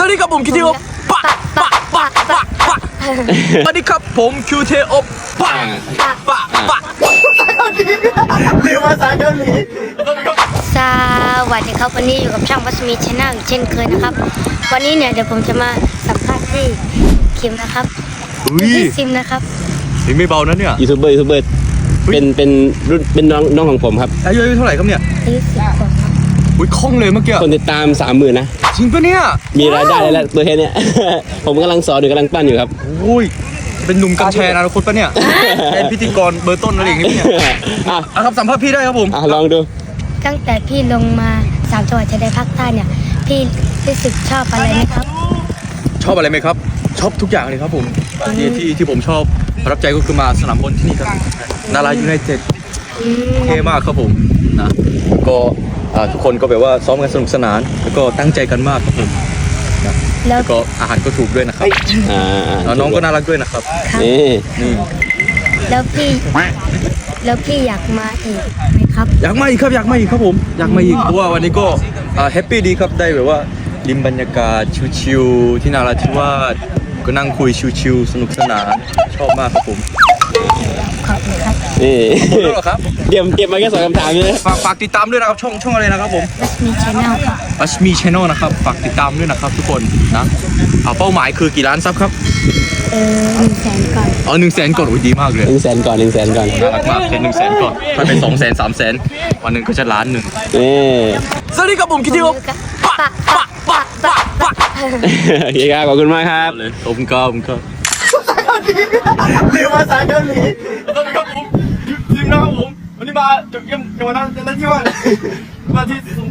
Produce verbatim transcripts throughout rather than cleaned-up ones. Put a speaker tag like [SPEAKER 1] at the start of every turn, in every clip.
[SPEAKER 1] วัสดีครับผมคิวเทโอปะปะปะปะปะสวัสดีครับผมคิวเทโอปะปะปะ
[SPEAKER 2] เรียกภาษาเกาหลี
[SPEAKER 3] สวัสดีครับวันนี้อยู่กับช่างวัสมีชาแนลอีกเช่นเคยนะครับวันนี้เนี่ยเดี๋ยวผมจะมาสัมภาษณ์ที่คิมนะครับที่ซิมนะครับ
[SPEAKER 1] นี่ไม่เบานะเนี่ย
[SPEAKER 4] ยูทูบเบอร์ยูทูบเบอร์เป็นเป็นรุ่นเป็นน้องน้องของผมครับ
[SPEAKER 1] อายุเท่าไหร่ครับเนี่ย
[SPEAKER 3] อายุสิบขวบครับ
[SPEAKER 1] อุ้ยคล่องเลยเมื่อกี้
[SPEAKER 4] คนติดตามสามหมื่นนะ
[SPEAKER 1] จริงปะเนี่ย
[SPEAKER 4] มีรายได้แล้วตัวแค่นี้ผมกำลังสอนอยู่กำลังปั้นอยู่ครับ
[SPEAKER 1] โอ้ยเป็นหนุ่มกัญชัยอนาคตปะเนี่ยเป็นพิธีกรเบอร์ต้นอะไรอย่างนี้เนี่ยอ่ะครับสัมภาษณ์พี่ได้ครับผม
[SPEAKER 4] อ่ะลองดู
[SPEAKER 3] ตั้งแต่พี่ลงมาสามจังหวัดชายแดนภาคใต้เนี่ยพี่รู้สึกชอบอะไรไหมครับ
[SPEAKER 1] ชอบอะไรไหมครับชอบทุกอย่างเลยครับผมที่ที่ที่ผมชอบประทับใจก็คือมาสนามบอลที่นี่ครับนารายูไนเต็ดเท่มากครับผมนะก็ทุกคนก็แบบว่าซ้อมกันสนุกสนานแล้วก็ตั้งใจกันมากครับผมแล้วก็อาหารก็ถูกด้วยนะครับน้องก็น่ารักด้วยนะครับ
[SPEAKER 4] นี่
[SPEAKER 1] นี่
[SPEAKER 3] แล้วพี่แล้วพี่อยากมาอีกไหมครับ
[SPEAKER 1] อยากมาอีกครับอยากมาอีกครับผมอยากมาอีกเพราะว่าวันนี้ก็แฮปปี้ดีครับได้แบบว่าริมบรรยากาศชิวๆที่นาราธิวาสก็นั่งคุยชิวๆสนุกสนานชอบมากครับผม
[SPEAKER 3] ขอบคุณครับ
[SPEAKER 4] นี่
[SPEAKER 1] หมดแล้วเหรอครับ
[SPEAKER 4] เตรียมเตรียมมาแค่สองคำถามเลย
[SPEAKER 1] ฝากฝากติดตามด้วยนะครับช่องช่องอะไรนะครับผม
[SPEAKER 3] วัสมีชาแนลครับ
[SPEAKER 1] วัสมีชาแนลนะครับฝากติดตามด้วยนะครับทุกคนนะเอาเป้าหมายคือกี่ล้านซับครับ
[SPEAKER 3] เออหนึ่งแสนก่อน
[SPEAKER 1] อ๋อหนึ่งแสนก่อนโอ้ยดีมากเลย
[SPEAKER 4] หนึ่งแสนก่อนหนึ่งแสนก่อน
[SPEAKER 1] น่ารักมากเป็นหนึ่งแสนก่อนถ้าเป็นสองแสนสามแสนวันหนึ่งก็จะล้านหนึ่ง
[SPEAKER 4] นี่
[SPEAKER 1] สวัสดีครับผมคิดว่าปะปะปะปะปะ
[SPEAKER 4] เฮียขอบคุณมากครับ
[SPEAKER 1] ขอบคุณครับขอบคุณครับ
[SPEAKER 2] เรียกภาษาเกาหลี
[SPEAKER 1] สวัสดีครับผมทีมนะครับผมวันนี้มาจุดเยี่ยมจังหวัดนั้นที่ว่ามาที่สมุ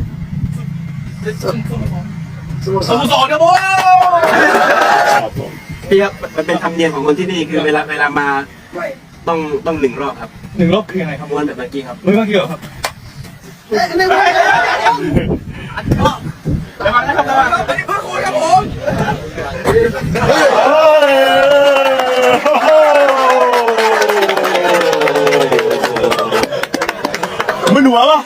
[SPEAKER 1] ทรสมุทรสาครครับผม
[SPEAKER 2] พี่ครับมันเป็นธรรมเนียมของคนที่นี่คือเวลาเวลามาต้องต้องหนึ่งรอบครับ
[SPEAKER 1] หนึ่งรอบคือยังไงครับ
[SPEAKER 2] วันแบบเมื่อกี้ครับ
[SPEAKER 1] เมื่อกี้เหรอครับหนึ่งรอบระวังนะครับระวังเพื่อนคุยครับผมมันหัวปะ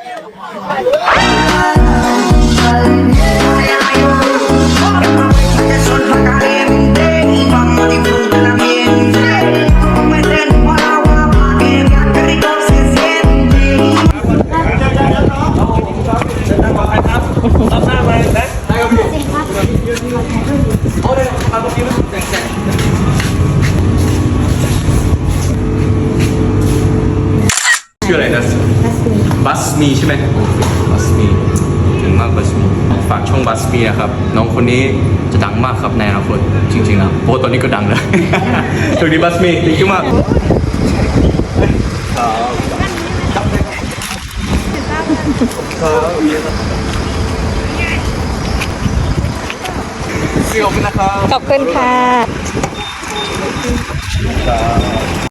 [SPEAKER 1] ชื่ออะไรนะบัสมีใช่ไหมบัสมีถึงมากบัสมีฝากช่องบัสมีนะครับน้องคนนี้จะดังมากครับในอนาคตจริงๆนะเพราะตอนนี้ก็ดังแล้วสวัสดีบัสมีดีมากขอบคุณนะครับ
[SPEAKER 3] ขอบคุณค่ะ